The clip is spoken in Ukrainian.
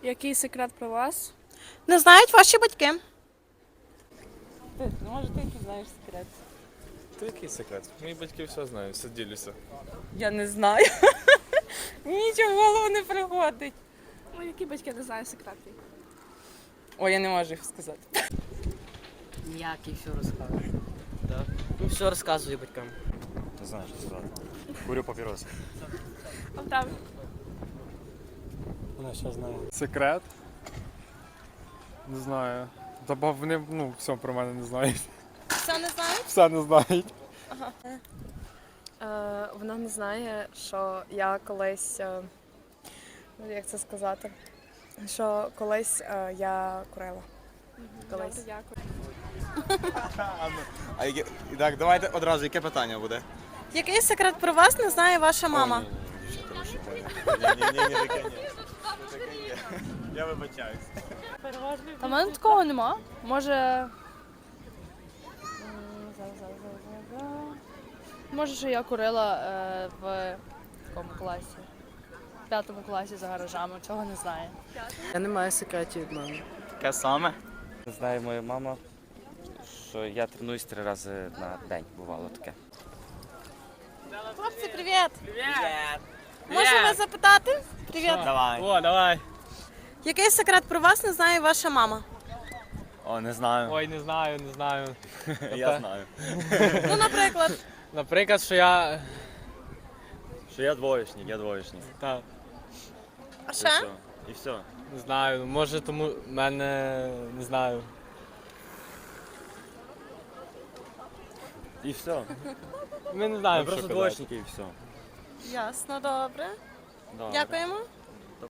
Який секрет про вас? Не знають ваші батьки. Може ти який знаєш секрет? Та який секрет? Мої батьки все знають, все ділюся. Я не знаю. Нічого в голову не приходить. Ну, які батьки не знають секретів? Ой, я не можу їх сказати. Ніякий, все розказує. Так? Ну, все розказує батькам. Не знаю, що сказати. Курю папіроси. А правда? Вона що знає. Секрет? Не знаю. Та вони все про мене не знають. Все не знають? Все не знають. Вона не знає, що я колись, як це сказати, що колись я курила. Колись. Добре, дякую. Так, давайте одразу, яке питання буде? Який секрет про вас не знає ваша мама? Ні, таке ні. Я вибачаюсь. Та в мене такого нема. Може. Може, що я курила в якому класі? В 5 класі за гаражами, цього не знаю. Я не маю секретів від мами. Таке саме? Знає моя мама, що я тренуюсь 3 рази на день, бувало таке. Хлопці, привіт! Привіт! Можемо запитати? Привіт! Давай. О, давай. Який секрет про вас не знає ваша мама? О, не знаю. Ой, не знаю. Я знаю. Ну, наприклад. Наприклад, що я... Що я двоєчник. Так, А ще? І все. не знаю, може тому в мене... не знаю. І все. Ми не Ми знаємо, просто що казати. двоєчники і все. Ясно, добре. Добре. Дякуємо.